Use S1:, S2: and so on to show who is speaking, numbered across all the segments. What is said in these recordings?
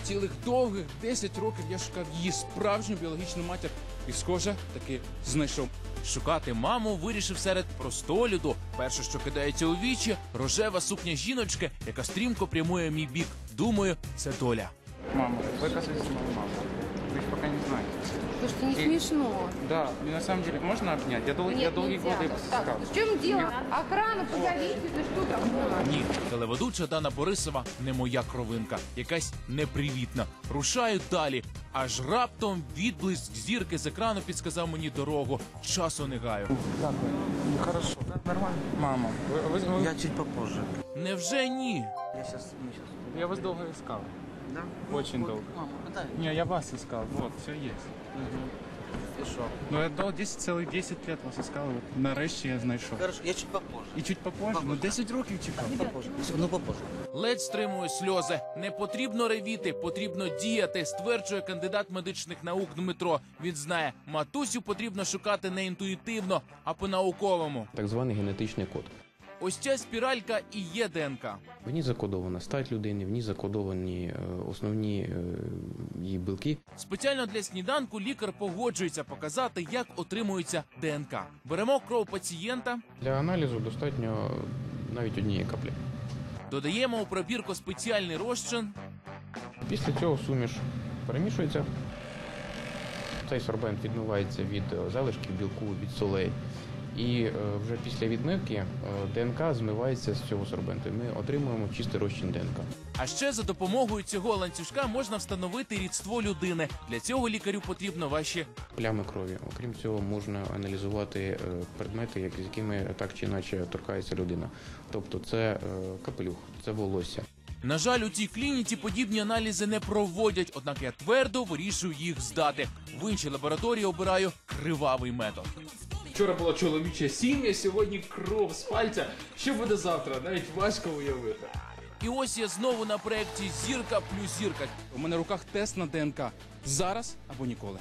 S1: Цілих довгих 10 років я шукав її справжню біологічну матір і, схоже, таки знайшов.
S2: Шукати маму вирішив серед простого люду. Перше, що кидається у вічі – рожева сукня жіночки, яка стрімко прямує в мій бік. Думаю, це доля.
S1: Мама, вы, оказывается, моя мама. Вы их пока не знаете.
S3: Потому что не смешно.
S1: Да, на самом деле, можно обнять? Я долгие годы искал.
S3: Так, в чем дело? Охрана, позовите, да что там?
S2: Ні, телеведуча Дана Борисова не моя кровинка. Якась непривітна. Рушаю далі. Аж раптом відблиск зірки з екрану підсказав мені дорогу. Часу не гаю.
S1: Как вы? Ну, хорошо. Нормально. Мама, вы...
S4: Я чуть попозже.
S2: Невже ні?
S1: Я вас долго искал.
S4: Да?
S1: Очень долго.
S4: Мама, дай.
S1: Не, я вас искал. Вот, все есть.
S4: И шо?
S1: Ну, я целых 10 лет вас искал, вот нарешті я знайшов.
S4: Хорошо, я чуть попозже.
S1: І чуть попозже? Ну, 10 років чекав.
S4: Попозже. Ну, попозже.
S2: Ледь стримую сльози. Не потрібно ревіти, потрібно діяти, стверджує кандидат медичних наук Дмитро. Він знає, матусю потрібно шукати не інтуїтивно, а по-науковому.
S5: Так званий генетичний код.
S2: Ось ця спіралька і є ДНК.
S5: В ній закодована стать людини, в ній закодовані основні її білки.
S2: Спеціально для сніданку лікар погоджується показати, як отримується ДНК. Беремо кров пацієнта,
S5: Для аналізу достатньо навіть однієї каплі.
S2: додаємо у пробірку спеціальний розчин,
S5: Після цього суміш перемішується. Цей сорбент відмивається від залишків білку, від солей. І вже після відмивки ДНК змивається з цього сорбенту. Ми отримуємо чистий розчин ДНК.
S2: а ще за допомогою цього ланцюжка можна встановити рідство людини. Для цього лікарю потрібно ваші
S5: Плями крові. Окрім цього, можна аналізувати предмети, з якими так чи інакше торкається людина. Тобто це капелюх, це волосся.
S2: На жаль, у цій клініці подібні аналізи не проводять, однак я твердо вирішую їх здати. В іншій лабораторії обираю кривавий метод.
S1: Вчора була чоловіча сім'я, сьогодні кров з пальця. Що буде завтра? Навіть важко уявити.
S2: І ось я знову на проєкті «Зірка плюс зірка».
S1: У мене в руках тест на ДНК. Зараз або ніколи.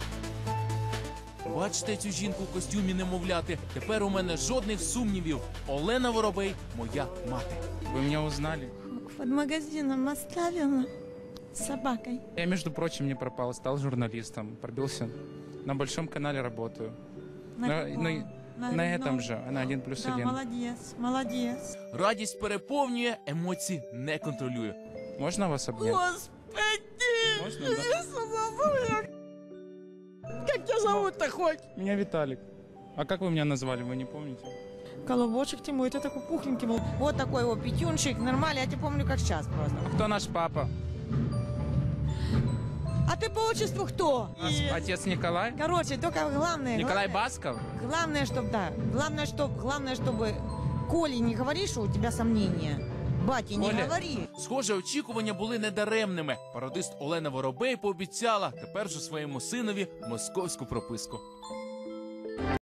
S2: Бачите цю жінку в костюмі немовляти? Тепер у мене жодних сумнівів. Олена Воробей – моя мати.
S1: Вы меня узнали?
S6: Под магазином оставила с собакой.
S1: Я, между прочим, не пропал, стал журналистом, пробился. На Большом канале работаю. На этом же, на 1+1.
S6: Да, молодец, молодец.
S2: Радість переповнює, емоції не контролюю.
S1: Можно вас обнять?
S6: Господи!
S1: Можно, да?
S6: Как тебя зовут-то хоть?
S1: Меня Виталик. А как вы меня назвали, вы не помните?
S6: Колобочек Тимур, это такой пухленький был. Вот такой вот пятюнчик, нормально, я тебя помню как сейчас просто.
S1: Кто наш папа?
S6: А ты по отчеству кто?
S1: Отец Николай?
S6: Короче, только главное...
S1: Николай Басков?
S6: Главное, чтобы, да, главное, чтобы Коле не говоришь, что у тебя сомнения. Бате, не
S1: Коля.
S6: говори.
S2: Схоже, очікування були недаремними. Пародист Олена Воробей пообіцяла тепер же своєму синові московську прописку.